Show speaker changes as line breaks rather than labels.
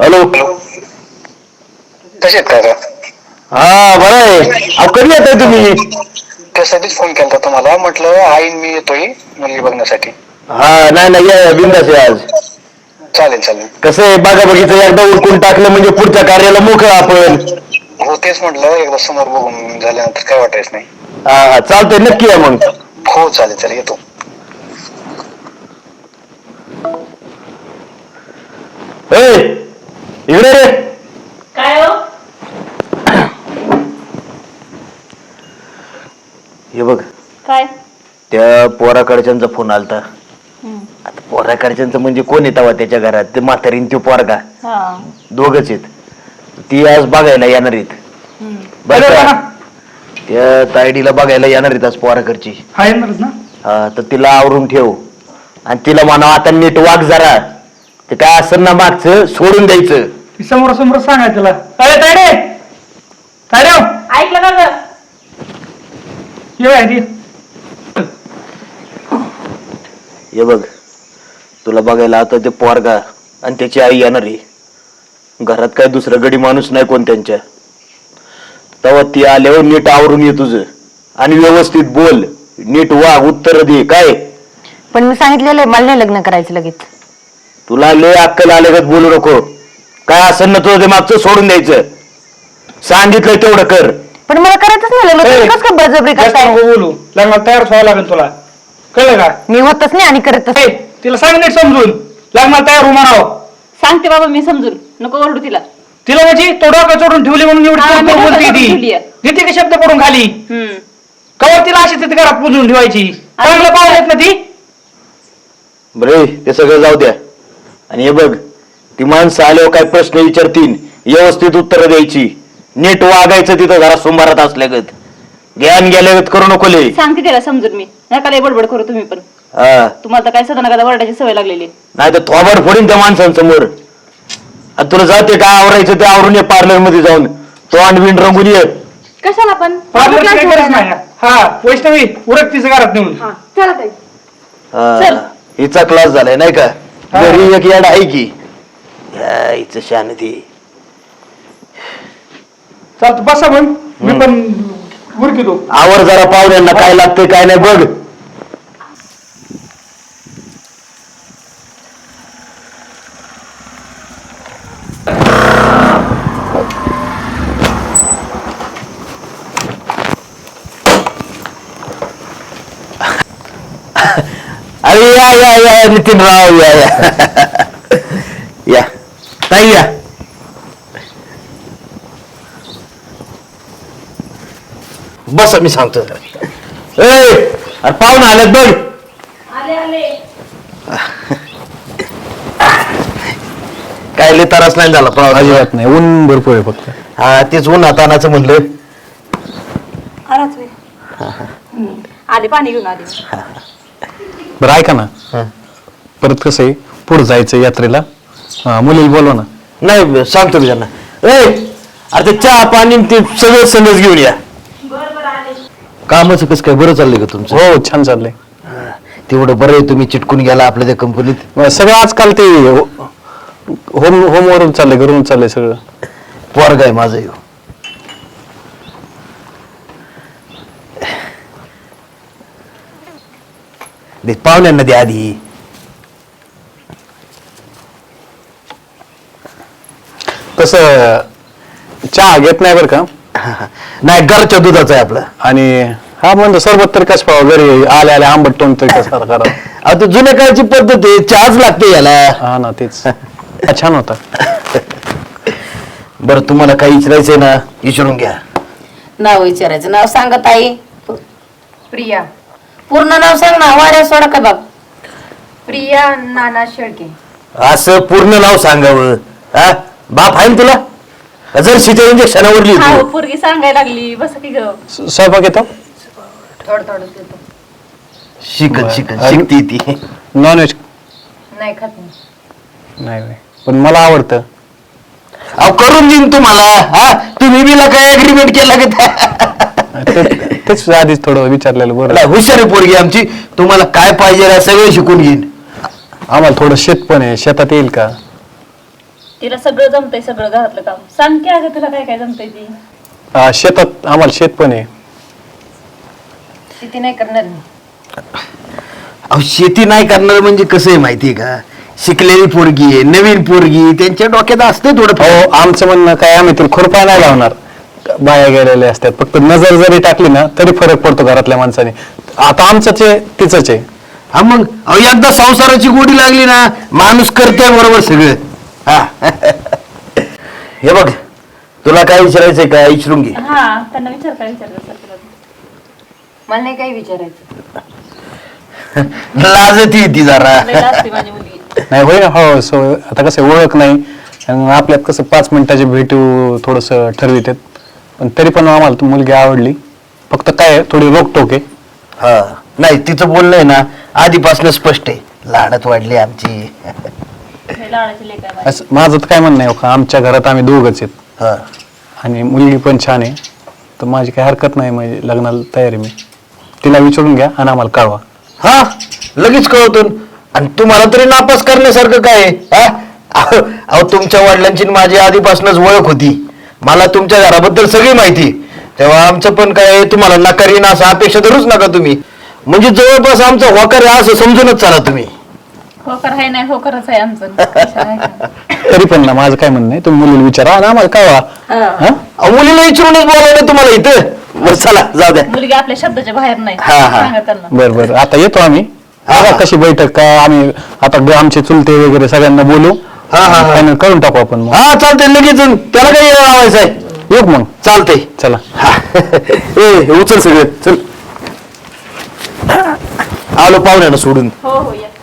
Hello.
कसे आहेत काका?
हा बरं आहे. अहो कधी येताय तुम्ही?
त्यासाठीच फोन केला तुम्हाला, म्हटलं आईन मी येतोय मुलगी बघण्यासाठी.
हा नाही नाही या बिंदास आहे आज.
चालेल चालेल.
कसं आहे बघा बघितलं एकदा उरकून टाकलं म्हणजे पुढच्या कार्याला मोकळं आपण.
हो तेच म्हटलं, एकदा समोर बघून झाल्यानंतर काय वाटायचं नाही.
हा हा चालतंय नक्की या मग.
हो चालेल चालेल येतो.
इकडे रे.
काय हो?
हे बघ
काय?
त्या पोराकडच्यांचा फोन आलता. आता पोराकडच्यांचं म्हणजे कोण येतावा त्याच्या घरात? ते म्हातारीन तो पोरगा दोघच आहेत. ती आज बघायला येणार आहेत. बरं का? त्या तायडीला बघायला येणार आहेत आज पोराकडची. हा तर तिला आवरून ठेव आणि तिला म्हणा आता नीट वाग जरा. ते काय असं ना मागचं सोडून द्यायचं.
समोर समोर सांगाय त्याला. अरे तायडे तायडे
ऐकलं का ग?
हे बघ तुला बघायला आता ते पोरगा आणि त्याची आई येणार आहे. घरात काय दुसरं गडी माणूस नाही कोण त्यांच्या. तेव्हा ती आल्यावर नीट आवरून ये तुझं आणि व्यवस्थित बोल, नीट वाग, उत्तर दे. काय
पण मी सांगितलेलं आहे मला नाही लग्न करायचं लगेच.
तुला लय अक्कल आल्यागत बोलू नको. काय असेल ना तुझं ते मागचं सोडून द्यायचं. सांगितलंय तेवढं कर.
पण मला करायचंच नाही लग्न. तुम्ही कसं काय बळजबरी करताय?
बोलू लग्नाला तयार व्हावं लागेल तुला, कळलं का?
मी होतच नाही आणि करतच नाही.
तिला सांग नीट समजून, लग्नाला तयार हो म्हणावं.
सांगते बाबा मी समजून, नको ओरडू तिला.
तिला म्हणजे तो डोकं चोडून ठेवली म्हणून एवढी
हा, मी
बोलते
डोकं
ती.
चोडून ठेवलीये.
देते का शब्द पडून खाली? कवर तिला अशी तिथे घरात पुजून ठेवायची. चांगलं पाहिजेत ना ती.
बरे ते सगळं जाऊ द्या. आणि हे बघ ती माणसं आल्यावर काय प्रश्न विचारतील व्यवस्थित उत्तर द्यायची. नीट वागायचं तिथं जरा सुंभारात असल्यागत. ज्ञान गेल्यागत करू नको लय.
सांगते तिला समजून मी. नका लय बडबड करू तुम्ही पण.
हा
तुम्हाला तर काय सदा नका वरडायची सवय लागलेली.
नाही तर थोबाड फोडीन त्या माणसांसमोर. आणि तुला जाते काय आवरायचं ते आवरून ये पार्लर मध्ये जाऊन. तो अंडबिंड रंगून ये.
कशाला पण?
पार्लरची काही गरज नाही. हा वैष्णवी उरक तिचं घरात नेऊन.
चला ताई.
हा, हिचा क्लास झालाय नाही का? घरी एक याड आहे की हिच शांती.
चालतं बसा मग, मी पण उरकितो.
आवर जरा पाहुण्यांना काय लागतंय काय नाही बघ. अरे या या या नितीनराव या या या ताई या. बस मी सांगतो जरा. अरे पाहुणे आलेत बघ.
आले आले.
काय लय त्रास नाही झाला पाहुणे?
अजिबात नाही, ऊन भरपूर आहे फक्त.
हा तेच ऊन हातानाचं म्हणलं.
आले पाणी घेऊन आले.
बरं ऐका ना, परत कसं आहे पुढे जायचं यात्रेला, मुलीला बोलवा ना.
नाही सांगतो मी त्यांना. अरे ते चहा पाणी ते सगळं संगच घेऊन या. कामाचं कसं काय बरं चाललंय का तुमचं?
हो छान चाललंय.
तेवढं बरं आहे तुम्ही चिटकून गेला आपल्या त्या कंपनीत.
सगळं आजकाल ते होमवरून चाललंय, घरून चाललंय सगळं.
पोरगा आहे माझं ह्यो. पाहुण्यांना द्या आधी.
तसं चहा घेत नाही बरं का.
नाही घरच्या दुधाचं आहे आपलं.
आणि हा म्हणतो सरबत तरी कसं पाहावं, घरी आले आले आंबट तोंड तरी कसं करा.
आता जुन्या काळची पद्धत आहे, चहाच लागते याला.
हा ना तेच. छान होता.
बरं तुम्हाला काही विचारायचंय ना विचारून घ्या.
नाव विचारायचं. नाव सांगत आई.
प्रिया.
पूर्ण नाव सांग ना. वाऱ्या सोडा का बाप.
प्रिया नाना शेळके.
असं पूर्ण नाव सांगावं. हा बाप आहे ना तुला? जर शिच्या इंजेक्शनावर लिहितो.
पोरगी सांगायला लागली. बस की ग.
स्वयंपाक येतो?
थोडं थोडं येतो.
शिकत शिकत शिकती ती.
नॉनव्हेज
नाही खात नाही.
नाही, पण मला आवडतं.
अहो करून देईन तुम्हाला. हा तुम्ही बिला काय अग्रीमेंट केला का?
तेच आधीच थोडं विचारलेलं बरं.
हुशार आहे पोरगी आमची. तुम्हाला काय पाहिजे सगळं शिकून घेईन.
आम्हाला थोडं शेत पण आहे, शेतात येईल का?
तिला सगळं जमतंय, सगळं घरातलं काम. सांग की अगं तुला काय काय जमतंय ती.
शेतात आम्हाला शेत पण आहे.
शेती नाही करणार मी.
अहो शेती नाही करणार म्हणजे कसं आहे माहितीये का, शिकलेली पोरगी आहे, नवीन पोरगी, त्यांच्या डोक्यात असते थोडं.
हो आमचं म्हणणं काय, आम्ही तुला खुरपा नाही लावणार, बाया गेलेले असतात, फक्त नजर जरी टाकली ना तरी फरक पडतो घरातल्या माणसाने. आता आमचंच आहे तिचंच आहे.
हा मग अहो एकदा संसाराची गोडी लागली ना माणूस करतोय बरोबर सगळं. हा हे बघ, तुला काय विचारायचंय का विचारून घे.
हा त्यांना विचार काय विचारायचं असेल तुला.
मला नाही काही विचारायचं.
लाजती ती जरा.
लय लाजते माझी मुलगी.
नाही होय ना. हो सो आता कसं आहे, ओळख नाही आणि आपल्यात कसं 5 मिनिटाची भेटू थोडस ठरवितात, पण तरी पण आम्हाला ती मुलगी आवडली. फक्त काय आहे, थोडी रोकटोक आहे.
हा नाही तिचं बोलणं आहे ना आधीपासून स्पष्ट आहे, लाडात वाढली आमची.
लय लाडाची लेक आहे माझी.
असं माझं तर काय म्हणणं आहे, हो का, आमच्या घरात आम्ही दोघंच आहेत
हा
आणि मुलगी पण छान आहे, तर माझी काही हरकत नाही, म्हणजे लग्नाला तयार आहे मी. तिला विचारून घ्या आणि आम्हाला कळवा.
हा लगेच कळवतो. आणि तुम्हाला तरी नापास करण्यासारखं काय आहे? हा? अहो तुमच्या वडिलांची आणि माझी आधीपासूनच ओळख होती, मला तुमच्या घराबद्दल सगळी माहिती. तेव्हा आमचं पण काय तुम्हाला नकारीन असं अपेक्षा धरूच नका तुम्ही. म्हणजे जवळपास आमचं होकार आहे असं समजूनच चाला तुम्ही.
होकर आहे नाही, होकरच आहे आमचं. कशाला आहे का?
तरी पण ना माझं काय म्हणणं आहे, तुम्ही मुलीला विचारा आणि आम्हाला कळवा. हा?
अहो, मुलीला विचारूनच बोलावलं तुम्हाला इथं. बरं चला जाऊ द्या.
मुलगी आपल्या शब्दाच्या बाहेर नाही.
हा, हा.
सांगा त्यांना.
बरं बरं आता येतो आम्ही. बघा कशी बैठक, का आम्ही आता आमचे चुलते वगैरे सगळ्यांना बोलू.
हा, हा, हा.
फायनल करून टाकू आपण मग.
हा चालतंय लगेच. त्याला काही लावायचं आहे.
येऊ मग.
चालतंय.
चला.
हा. ए उचल सगळं चल. आलो पाहुण्यानं सोडून.
हो हो या.